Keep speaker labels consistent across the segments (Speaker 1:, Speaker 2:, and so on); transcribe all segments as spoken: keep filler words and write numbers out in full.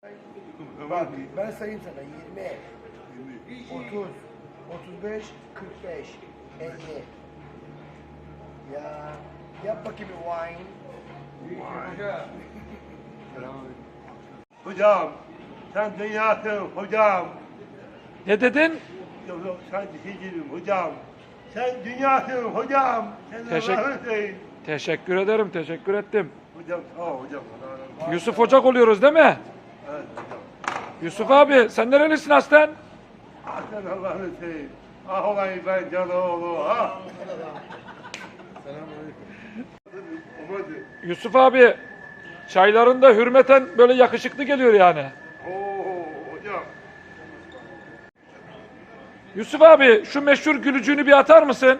Speaker 1: Bak ben sayayım sana yirmi, otuz, otuz beş, kırk beş, elli. Ya yap bakayım bir wine.
Speaker 2: Hocam, sen dünyasın hocam.
Speaker 3: Ne dedin?
Speaker 2: Yok yok, sen değilim hocam. Sen dünyasın hocam. Sen
Speaker 3: Teşekkür-
Speaker 2: Allah'ın
Speaker 3: Teşekkür ederim, teşekkür ettim.
Speaker 2: Hocam sağ ol hocam.
Speaker 3: Yusuf Ocak oluyoruz değil mi?
Speaker 2: Evet hocam.
Speaker 3: Yusuf abi sen nerelisin aslen?
Speaker 2: Ah sen Allah'ın seveyim. Ah olayım ben Canoğlu. Ah. Selamünaleyküm.
Speaker 3: Yusuf abi çaylarında hürmeten böyle yakışıklı geliyor yani.
Speaker 2: Oo hocam.
Speaker 3: Yusuf abi şu meşhur gülücüğünü bir atar mısın?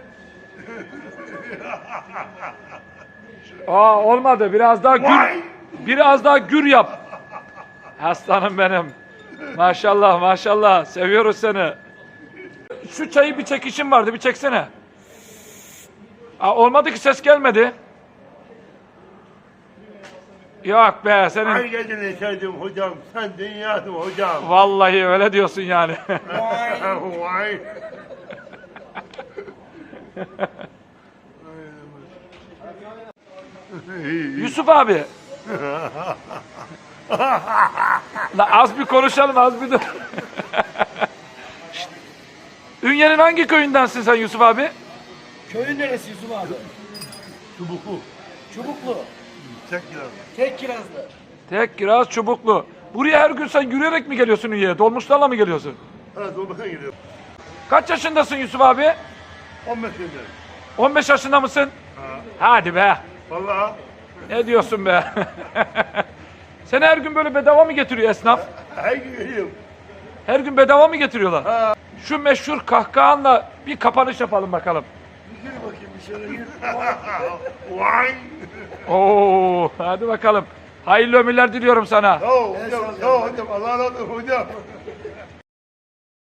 Speaker 3: Aa olmadı. Biraz daha gür, biraz daha gür yap. Aslanım benim. Maşallah maşallah. Seviyoruz seni. Şu çayı bir çekişim vardı. Bir çeksene. Aa, olmadı ki ses gelmedi. Yok be
Speaker 2: Ay
Speaker 3: senin.
Speaker 2: gecene içerdim hocam. Sen dünyasın hocam.
Speaker 3: Vallahi öyle diyorsun yani.
Speaker 2: Vay.
Speaker 3: Yusuf abi. La az bir konuşalım az bir dur. Şşt. Ünye'nin hangi köyündensin sen Yusuf abi?
Speaker 1: Köyün neresi Yusuf abi?
Speaker 2: Çubuklu.
Speaker 1: Çubuklu.
Speaker 2: Çek biraz.
Speaker 1: Tek kirazlı.
Speaker 3: Tek kiraz çubuklu. Buraya her gün sen yürüyerek mi geliyorsun Ünye'ye? Dolmuşlarla mı geliyorsun?
Speaker 2: Evet dolmuşa gidiyor.
Speaker 3: Kaç yaşındasın Yusuf abi?
Speaker 2: on beş yıldır.
Speaker 3: on beş yaşında mısın?
Speaker 2: Ha.
Speaker 3: Hadi be.
Speaker 2: Vallahi.
Speaker 3: Ne diyorsun be? Seni her gün böyle bedava mı getiriyor esnaf?
Speaker 2: Her gün geliyorum.
Speaker 3: Her gün bedava mı getiriyorlar? Şu meşhur kahkahanla bir kapanış yapalım bakalım.
Speaker 1: Gir bakayım bir şöyle gir.
Speaker 2: Vay.
Speaker 3: Oo, hadi bakalım. Hayırlı ömürler diliyorum sana.
Speaker 2: Sağ ol hocam. Sağ ol hocam. Allah razı olsun hocam.